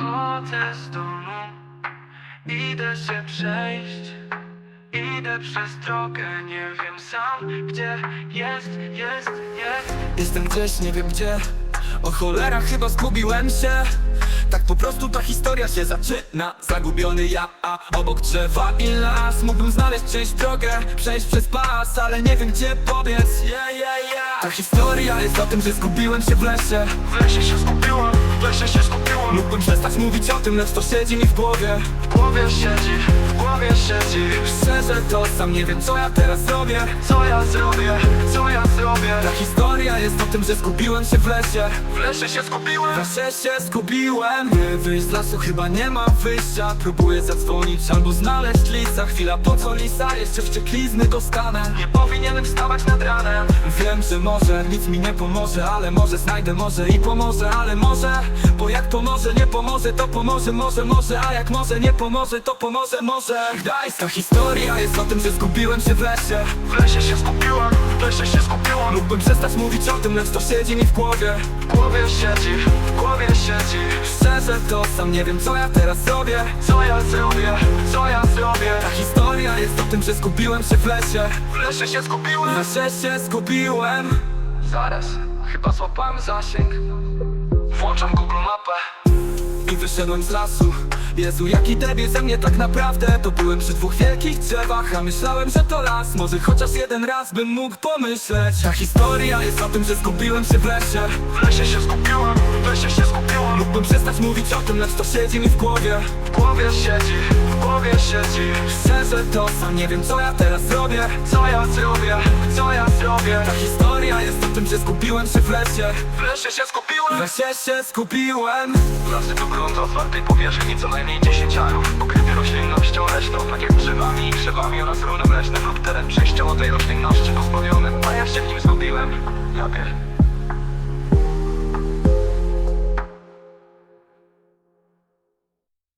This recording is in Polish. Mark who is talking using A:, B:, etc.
A: Wychodzę z domu, idę się przejść. Idę przez drogę, nie wiem sam gdzie jest.
B: Jestem gdzieś, nie wiem gdzie. O cholera, chyba zgubiłem się. Tak po prostu ta historia się zaczyna. Zagubiony ja, a obok drzewa i las. Mógłbym znaleźć czyjś drogę, przejść przez pas, ale nie wiem gdzie pobiec. Ta historia jest o tym, że zgubiłem się w lesie.
A: W lesie się skupiłem, w lesie się skupiłem.
B: Mógłbym przestać mówić o tym, lecz to siedzi mi w głowie.
A: W głowie siedzi, w głowie siedzi.
B: Szczerze to sam nie wiem co ja teraz zrobię.
A: Co ja zrobię, co ja zrobię?
B: Ta historia jest o tym, że zgubiłem się w lesie.
A: W lesie się skupiłem.
B: W lesie się zgubiłem. By wyjść z lasu chyba nie ma wyjścia. Próbuję zadzwonić albo znaleźć lisa. Chwila po co lisa, jeszcze wścieklizny dostanę.
A: Nie powinienem wstawać nad ranem.
B: Wiem, że może nic mi nie pomoże, ale może znajdę może i pomoże, ale może. Bo jak pomoże, nie pomoże, to pomoże może, a jak może, nie pomoże, to pomoże może. Gdańska historia jest o tym, że zgubiłem się w lesie.
A: W lesie się skupiłem, w lesie się skupiłem.
B: Mógłbym przestać mówić o tym, lecz to siedzi mi w głowie.
A: W głowie siedzi, w głowie siedzi.
B: Szczerze to sam nie wiem co ja teraz zrobię.
A: Co ja zrobię, co ja zrobię?
B: Ta historia jest o tym, że zgubiłem się w lesie.
A: W lesie się skupiłem.
B: W lesie się zgubiłem.
A: Zaraz, chyba złapałem zasięg. Włączam Google Mapę
B: I wyszedłem z lasu. Jezu, jaki debil ze mnie tak naprawdę. To byłem przy dwóch wielkich drzewach, a myślałem, że to las. Może chociaż jeden raz bym mógł pomyśleć. Ta historia jest o tym, że zgubiłem się w lesie.
A: W lesie się skupiłem, w lesie się skupiłem.
B: Mógłbym przestać mówić o tym, lecz to siedzi mi w głowie.
A: W głowie siedzi, w głowie siedzi.
B: Szczerze to sam nie wiem co ja teraz zrobię.
A: Co ja zrobię, co ja zrobię?
B: Ta historia jest o tym, że zgubiłem się w lesie.
A: W lesie się
B: W
A: skupiłem.
B: lesie się zgubiłem.
A: Lasy to grunt o otwartej powierzchni, co najmniej 10 arów, pokryty roślinnością leśną, tak jak drzewami i krzewami oraz runem leśnym lub teren przejściowo tej roślinności pozbawiony, a ja się w nim zgubiłem. Ja pier...